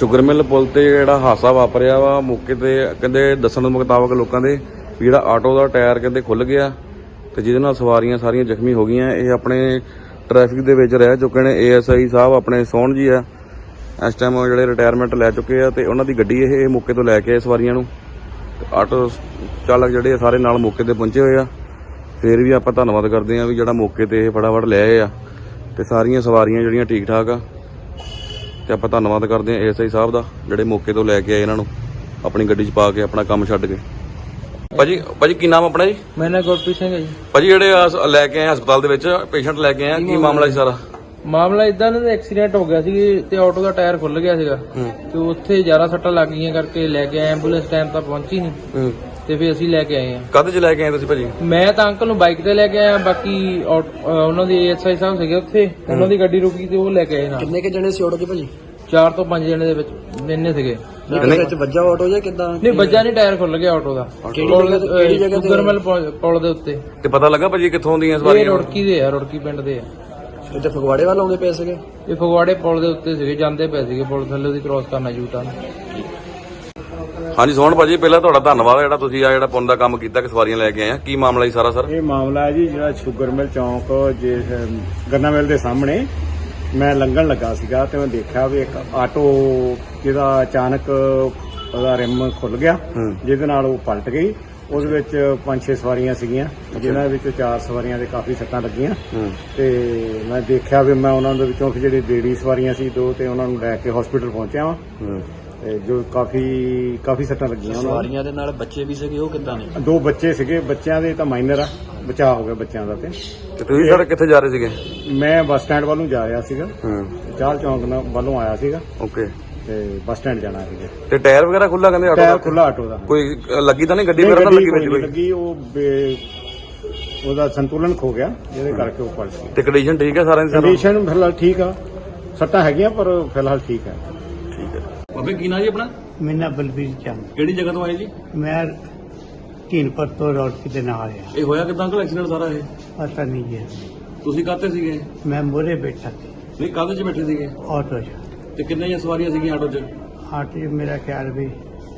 Sugar mill ਪੁਲ ਤੇ ਜਿਹੜਾ ਹਾਦਸਾ ਵਾਪਰਿਆ ਵਾ ਮੌਕੇ ਤੇ ਕਹਿੰਦੇ ਦੱਸਣ ਦੇ ਮੁਤਾਬਕ ਲੋਕਾਂ ਦੇ ਵੀ ਜਿਹੜਾ ਆਟੋ ਦਾ ਟਾਇਰ ਕਹਿੰਦੇ ਖੁੱਲ ਗਿਆ ਤੇ ਜਿਹਦੇ ਨਾਲ ਸਵਾਰੀਆਂ ਸਾਰੀਆਂ ਜ਼ਖਮੀ ਹੋ ਗਈਆਂ। ਇਹ ਆਪਣੇ ਟ੍ਰੈਫਿਕ ਦੇ ਵਿੱਚ ਰਹਿ ਚੁੱਕੇ ਨੇ। ASI ਸਾਹਿਬ ਆਪਣੇ ਸੋਹਣ ਜੀ ਆ, ਇਸ ਟਾਈਮ ਜਿਹੜੇ ਰਿਟਾਇਰਮੈਂਟ ਲੈ ਚੁੱਕੇ ਆ ਤੇ ਉਹਨਾਂ ਦੀ ਗੱਡੀ ਇਹ ਮੌਕੇ ਤੋਂ ਲੈ ਕੇ ਆਏ ਸਵਾਰੀਆਂ ਨੂੰ। ਆਟੋ ਚਾਲਕ ਜਿਹੜੇ ਸਾਰੇ ਨਾਲ ਮੌਕੇ ਤੇ ਪਹੁੰਚੇ ਹੋਏ ਆ। ਫਿਰ ਵੀ ਆਪਾਂ ਧੰਨਵਾਦ ਕਰਦੇ ਹਾਂ ਵੀ ਜਿਹੜਾ ਮੌਕੇ ਤੇ ਇਹ ਫਟਾਫਟ ਲੈ ਆਏ ਆ ਤੇ ਸਾਰੀਆਂ ਸਵਾਰੀਆਂ ਜਿਹੜੀਆਂ ਠੀਕ ਠਾਕ ਆ। ਤੇ ਆਪਾਂ ਧੰਨਵਾਦ ਕਰਦੇ ਹਾਂ ASI ਸਾਹਿਬ ਦਾ ਜਿਹੜੇ ਮੌਕੇ ਤੋਂ ਲੈ ਕੇ ਆਏ ਇਹਨਾਂ ਨੂੰ ਆਪਣੀ ਗੱਡੀ 'ਚ ਪਾ ਕੇ ਆਪਣਾ ਕੰਮ ਛੱਡ ਕੇ। ਭਾਜੀ ਕੀ ਨਾਮ ਆਪਣਾ ਜੀ? ਮੇਰਾ ਨਾਮ ਗੁਰਪ੍ਰੀਤ ਸਿੰਘ ਹੈ ਜੀ। ਭਾਜੀ ਜਿਹੜੇ ਲੈ ਕੇ ਆਏ ਹਸਪਤਾਲ ਦੇ ਵਿੱਚ ਪੇਸ਼ੈਂਟ ਲੈ ਕੇ ਆਏ ਆ, ਕੀ ਮਾਮਲਾ ਸੀ ਸਾਰਾ? ਮਾਮਲਾ ਇਦਾਂ ਦਾ ਐਕਸੀਡੈਂਟ ਹੋ ਗਿਆ ਸੀ ਤੇ ਆਟੋ ਦਾ ਟਾਇਰ ਖੁੱਲ ਗਿਆ ਸੀਗਾ ਤੇ ਉੱਥੇ ਜ਼ਿਆਦਾ ਸੱਟਾਂ ਲੱਗ ਗਈਆਂ ਕਰਕੇ ਲੈ ਕੇ ਆਏ। ਐਂਬੂਲੈਂਸ ਟਾਈਮ ਤਾਂ ਪਹੁੰਚੀ ਨਹੀਂ ਤੇ ਫਿਰ ਅਸੀਂ ਲੈ ਕੇ ਆਏ ਆ। ਕਾਹਦੇ 'ਚ ਲੈ ਕੇ ਆਏ ਤੁਸੀਂ ਭਾਜੀ? ਮੈਂ ਤਾਂ ਅੰਕਲ ਨੂੰ ਬਾਈਕ ਤੇ ਲੈ ਕੇ ਆਇਆ, ਬਾਕੀ ਉਹਨਾਂ ਦੀ ASI ਸਾਹਿਬ ਸੀਗੇ ਉੱਥੇ, ਉਹਨਾਂ ਦੀ ਗੱਡੀ ਰੁਕੀ ਤੇ ਉਹ ਲੈ ਕੇ ਆਏ ਨਾਲ। ਕਿੰਨੇ ਕੇ ਜਣੇ ਸੀ ਆਟੋ 'ਚ ਭਾਜੀ? 4 ਤੋਂ 5 ਜਣੇ ਦੇ ਵਿੱਚ ਇੰਨੇ ਸੀਗੇ। ਵਿੱਚ ਵੱਜਾ ਆਟੋ ਜਾਂ ਕਿੱਦਾਂ? ਨਹੀਂ ਵੱਜਾ ਨਹੀਂ, ਟਾਇਰ ਖੁੱਲ ਗਿਆ ਆਟੋ ਦਾ। ਕਿਹੜੀ ਜਗ੍ਹਾ ਤੇ? ਸ਼ੂਗਰ ਮਿਲ ਪੁਲ ਦੇ ਉੱਤੇ। ਤੇ ਪਤਾ ਲੱਗਾ ਭਾਜੀ ਕਿੱਥੋਂ ਦੀਆਂ ਇਹ ਸਵਾਰੀਆਂ? ਰੁੜਕੀ ਦੇ ਆ, ਰੁੜਕੀ ਪਿੰਡ ਦੇ ਆ। ਇੱਥੇ ਫਗਵਾੜੇ ਵੱਲ ਆਉਂਦੇ ਪਏ ਸੀਗੇ? ਇਹ ਫਗਵਾੜੇ ਪੁਲ ਦੇ ਉੱਤੇ ਸੀਗੇ, ਜਾਂਦੇ ਪਏ ਸੀਗੇ ਪੁਲ ਥੱਲੇ ਦੀ ਕ੍ਰੋਸ ਕਰਨਾ ਯੂਟਰਨ। ਹਾਂਜੀ ਸੋਹਣ ਭਾਜੀ, ਪਹਿਲਾਂ ਤੁਹਾਡਾ ਧੰਨਵਾਦ ਜਿਹੜਾ ਤੁਸੀਂ ਆ ਜਿਹੜਾ ਪੁੰਨ ਦਾ ਕੰਮ ਕੀਤਾ ਕਿ ਸਵਾਰੀਆਂ ਲੈ ਕੇ ਆਏ ਆ। ਕੀ ਮਾਮਲਾ ਜੀ ਸਾਰਾ ਸਰ? ਇਹ ਮਾਮਲਾ ਹੈ ਜੀ ਜਿਹੜਾ ਸ਼ੂਗਰ ਮਿਲ ਚੌਂਕ ਗੰਨਾ ਮਿਲ ਦੇ ਸਾਹਮਣੇ ਮੈਂ ਲੰਘਣ ਲੱਗਾ ਸੀਗਾ ਤੇ ਮੈਂ ਦੇਖਿਆ ਵੀ ਇੱਕ ਆਟੋ ਜਿਹਦਾ ਅਚਾਨਕ ਉਹਦਾ ਰਿਮ ਖੁੱਲ ਗਿਆ ਜਿਹਦੇ ਨਾਲ ਉਹ ਪਲਟ ਗਈ। ਉਸ ਵਿੱਚ 5-6 ਸਵਾਰੀਆਂ ਸੀਗੀਆਂ ਜਿਨ੍ਹਾਂ ਵਿੱਚ 4 ਸਵਾਰੀਆਂ ਦੇ ਕਾਫੀ ਸੱਟਾਂ ਲੱਗੀਆਂ ਤੇ ਮੈਂ ਦੇਖਿਆ ਵੀ ਮੈਂ ਉਹਨਾਂ ਦੇ ਵਿੱਚੋਂ ਜਿਹੜੀ ਲੇਡੀ ਸਵਾਰੀਆਂ ਸੀ 2 ਤੇ ਉਹਨਾਂ ਨੂੰ ਲੈ ਕੇ ਹਸਪੀਟਲ ਪਹੁੰਚਿਆ ਵਾਂ ਤੇ ਜੋ ਕਾਫੀ ਸੱਟਾਂ ਲੱਗੀਆਂ। ਸਵਾਰੀਆਂ ਦੇ ਨਾਲ ਬੱਚੇ ਵੀ ਸੀਗੇ, ਉਹ ਕਿੱਦਾਂ ਨੇ? 2 ਬੱਚੇ ਸੀਗੇ, ਬੱਚਿਆਂ ਦੇ ਤਾਂ ਮਾਈਨਰ ਆ, ਬਚਾਅ ਹੋ ਗਿਆ ਬੱਚਿਆਂ ਦਾ। ਤੇ ਤੁਸੀਂ ਸਰ ਕਿੱਥੇ ਜਾ ਰਹੇ ਸੀਗੇ? ਮੈਂ ਬੱਸ ਸਟੈਂਡ ਵੱਲੋਂ ਜਾ ਰਿਹਾ ਸੀਗਾ, ਚਾਲ ਚੌਂਕ ਵੱਲੋਂ ਆਇਆ ਸੀਗਾ ਓਕੇ ਤੇ ਬੱਸ ਸਟੈਂਡ ਜਾਣਾ ਸੀਗਾ। ਤੇ ਟਾਇਰ ਵਗੈਰਾ ਖੁੱਲਾ ਕਹਿੰਦੇ ਆਟੋ ਟਾਇਰ ਦਾ? ਖੁੱਲਾ ਆਟੋ ਦਾ। ਕੋਈ ਲੱਗੀ ਤਾਂ ਨਹੀਂ ਗੱਡੀ ਵਗੈਰਾ ਤਾਂ ਲੱਗੀ ਵਿੱਚ ਕੋਈ? ਲੱਗੀ, ਉਹ ਉਹਦਾ ਸੰਤੁਲਨ ਖੋ ਗਿਆ ਜਿਹਦੇ ਕਰਕੇ ਉਹ ਪਲਟ ਗਈ। ਤੇ ਕੰਡੀਸ਼ਨ ਠੀਕ ਹੈ ਸਾਰਿਆਂ ਦੀ? ਕੰਡੀਸ਼ਨ ਫਿਲਹਾਲ ਠੀਕ ਆ, ਸੱਟਾਂ ਹੈਗੀਆਂ ਪਰ ਫਿਲਹਾਲ ਠੀਕ ਹੈ। ਠੀਕ ਹੈ। ਬਾਬੇ ਕੀ ਨਾਂ ਜੀ ਆਪਣਾ? ਮੇਰਾ ਨਾਮ ਬਲਬੀਰ ਚੰਦ। ਕਿਹੜੀ ਜਗ੍ਹਾ ਤੋਂ ਆਏ ਜੀ? ਮੈਂ ਢੀਨਪੁਰ ਤੋਂ ਰੌੜਕੀ ਦੇ ਨਾਲ ਆ। ਇਹ ਹੋਇਆ ਕਿਦਾਂ ਅੰਕਲ ਐਕਸੀਡੈਂਟ ਸਾਰਾ ਇਹ? ਪਤਾ ਨਹੀਂ ਜੀ, ਤੁਸੀਂ ਕਾਹਤੇ ਸੀਗੇ? ਮੈਂ ਮੋਰੇ ਬੈਠਾ ਸੀ ਨਹੀਂ ਕਾਹਦੇ 'ਚ ਬੈਠੇ ਸੀਗੇ? ਆਟੋ 'ਚ। ਤੇ ਕਿੰਨੀਆਂ ਸਵਾਰੀਆਂ ਸੀਗੀਆਂ ਆਟੋ 'ਚ? ਆਟੋ 'ਚ ਮੇਰਾ ਖਿਆਲ ਵੀ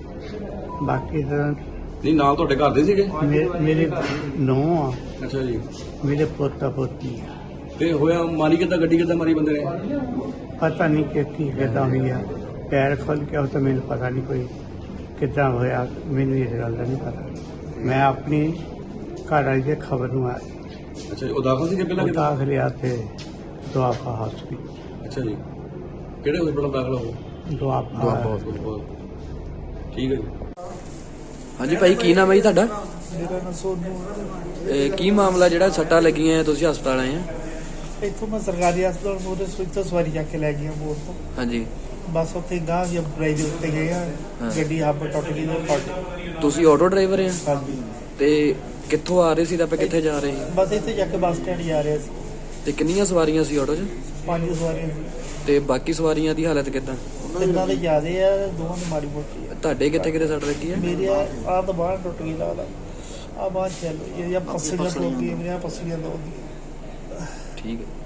ਬਾਕੀ ਤਾਂ ਨਹੀਂ ਨਾਲ ਤੁਹਾਡੇ ਘਰ ਦੇ ਸੀਗੇ? ਮੇਰੇ ਨੂੰਹ ਆ, ਅੱਛਾ ਜੀ। ਮੇਰੇ ਪੋਤਾ ਪੋਤੀ ਆ। ਤੇ ਹੋਇਆ ਮਾਰੀ ਕਿੱਦਾਂ, ਗੱਡੀ ਕਿੱਦਾਂ ਮਾਰੀ ਬੰਦੇ ਨੇ? ਪਤਾ ਨਹੀਂ ਕਿ ਕੀ ਕਿੱਦਾਂ ਹੋਈ ਆ, ਪੈਰ ਖੁੱਲ ਗਿਆ ਉਹ ਤਾਂ ਮੈਨੂੰ ਪਤਾ ਨਹੀਂ ਕੋਈ ਕਿੱਦਾਂ ਹੋਇਆ, ਮੈਨੂੰ ਇਸ ਗੱਲ ਦਾ ਨਹੀਂ ਪਤਾ। ਮੈਂ ਆਪਣੀ ਘਰ ਵਾਲੀ ਦੇ ਖਬਰ ਨੂੰ ਆਇਆ। ਅੱਛਾ ਜੀ। ਉਹ ਦਾਖਲ ਸੀਗੇ ਪਹਿਲਾਂ ਕਿੱਦਾਂ? ਦਾਖਲਿਆ ਤੇ ਦੁਆਬਾ ਹਸਪੀਟਲ। ਅੱਛਾ ਜੀ। ਕਿਹੜੇ ਹਸਪਤਾਲ ਦਾਖਲ ਹੋ? ਦੁਆਬਾ। ਹਸਪਤਾਲ। ਠੀਕ ਹੈ ਜੀ। ਹਾਂਜੀ ਭਾਈ ਕੀ ਨਾਮ ਹੈ ਜੀ ਤੁਹਾਡਾ? ਮੇਰਾ ਨਾਮ ਸੋਨੂ। ਕੀ ਮਾਮਲਾ ਜਿਹੜਾ ਸੱਟਾਂ ਲੱਗੀਆਂ ਤੁਸੀਂ ਹਸਪਤਾਲ ਆਏ ਆ? ਇੱਥੋਂ ਮੈਂ ਸਰਕਾਰੀ ਹਸਪਤਾਲ ਮੋਰੇ ਤੋਂ ਸਵਾਰੀ ਚੱਕ ਕੇ ਲੈ ਗਿਆ ਬੋਰ ਤੋਂ। ਹਾਂਜੀ। ਬਸ ਉੱਥੇ ਗਾਂ ਦੀ ਬਰਾਈ ਦੇ ਉੱਤੇ ਗਏ ਆ, ਗੱਡੀ ਹੱਬ ਟੁੱਟ ਗਈ ਤੇ ਪਲਟ। ਤੁਸੀਂ ਆਟੋ ਡਰਾਈਵਰ ਆ? ਹਾਂਜੀ। ਤੇ ਕਿੱਥੋਂ ਆ ਰਹੇ ਸੀ ਤਾਂ ਆਪਾਂ ਕਿੱਥੇ ਜਾ ਰਹੇ ਸੀ? ਬਸ ਇੱਥੇ ਜਾ ਕੇ ਬੱਸ ਸਟੈਂਡ ਜਾ ਰਿਹਾ ਸੀ। ਤੇ ਕਿੰਨੀਆਂ ਸਵਾਰੀਆਂ ਸੀ ਆਟੋ 'ਚ? 5 ਸਵਾਰੀਆਂ ਸੀ। ਤੇ ਬਾਕੀ ਸਵਾਰੀਆਂ ਦੀ ਹਾਲਤ ਕਿੱਦਾਂ? ਤਿੰਨਾਂ ਦੇ ਜ਼ਿਆਦੇ ਆ, ਦੋਵਾਂ ਦੀ ਮਾੜੀ ਮੋਟੀ ਆ। ਤੁਹਾਡੇ ਕਿੱਥੇ ਕਿੱਥੇ ਸੱਟ ਲੱਗੀ ਹੈ? ਮੇਰੀ ਆਹ ਤਾਂ ਬਾਹਰ ਟੁੱਟ ਗਈ ਲੱਗਦਾ, ਆਹ ਬਾਹਰ ਚੱਲ ਇਹ ਜਾਂ ਪਸਲੀਆਂ ਟੁੱਟ ਗਈਆਂ ਮੇਰੀਆਂ, ਪਸਲੀਆਂ ਦੋ ਦੀ। ਠੀਕ ਹੈ।